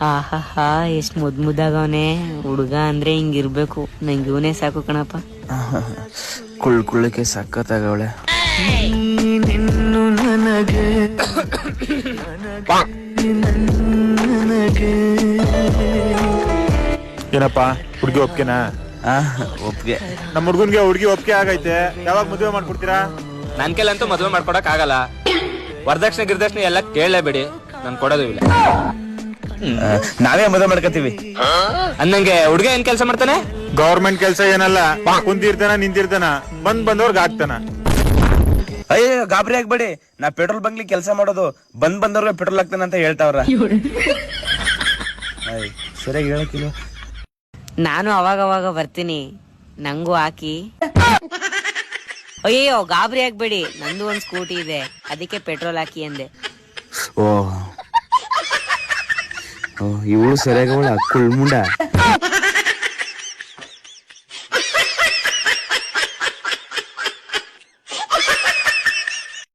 ಆಹಾ ಎಷ್ಟ್ ಮುದ್ದಾಗವನೆ ಹುಡುಗ ಅಂದ್ರೆ ಹಿಂಗಿರ್ಬೇಕು. ನಂಗೆ ಇವನೇ ಸಾಕು ಕಣಪ್ಪ. ಕುಳ್ಳಕ್ಕೆ ಸಕ್ಕತ್ತಾಗವಳೆ. ಏನಪ್ಪಾ ಹುಡುಗಿ ಒಪ್ಕೆನಾ? ಒಪ್ಗೆ. ನಮ್ಮ ಹುಡ್ಗನ್ಗೆ ಹುಡುಗಿ ಒಪ್ಕೆ ಆಗೈತೆ. ಯಾವಾಗ ಮದುವೆ ಮಾಡ್ಕೊಡ್ತೀರಾ? ನನ್ ಕೈಲಂತೂ ಮದುವೆ ಮಾಡ್ಕೊಡಕ್ ಆಗಲ್ಲ. ವರದಕ್ಷಿಣೆ ಗಿರ್ದಕ್ಷಿಣೆ ಎಲ್ಲ ಕೇಳಲೇಬೇಡಿ, ನಾನ್ ಕೊಡೋದು ಇಲ್ಲ. ನಾವೇ ಮದುವೆ ಮಾಡ್ಕತೀವಿ. ಅನ್ನಂಗೆ ಹುಡುಗ ಏನ್ ಕೆಲಸ ಮಾಡ್ತಾನೆ? ಗೌರ್ಮೆಂಟ್ ಕೆಲ್ಸ ಏನಲ್ಲ, ಕುಂತಿರ್ತಾನ ನಿಂತಿರ್ತಾನ, ಬಂದವ್ರಿಗೆ ಆಗ್ತಾನ. ಅಯ್ಯೋ ಗಾಬರಿ ಆಗ್ಬೇಡಿ, ನಾ ಪೆಟ್ರೋಲ್ ಬಂಕ್ಲಿ ಕೆಲಸ ಮಾಡೋದು. ಬಂದವ್ರಿಗೆ ಪೆಟ್ರೋಲ್ ಹಾಕ್ತಾನ ಅಂತ ಹೇಳ್ತಾವ್ರ. ಸರಿಯಾಗಿ ಹೇಳಕ್ಕಿಲ್ವ? ನಾನು ಅವಾಗ ಬರ್ತೀನಿ, ನಂಗೂ ಹಾಕಿ. ಅಯ್ಯೋ ಗಾಬರಿ ಆಗ್ಬೇಡಿ, ನಂದು ಒಂದ್ ಸ್ಕೂಟಿ ಇದೆ, ಅದಕ್ಕೆ ಪೆಟ್ರೋಲ್ ಹಾಕಿ ಅಂದೆ. ಓ ಇವಳು ಸರಿಯಾಗವಳ ಕುಳ್ಮುಂಡ.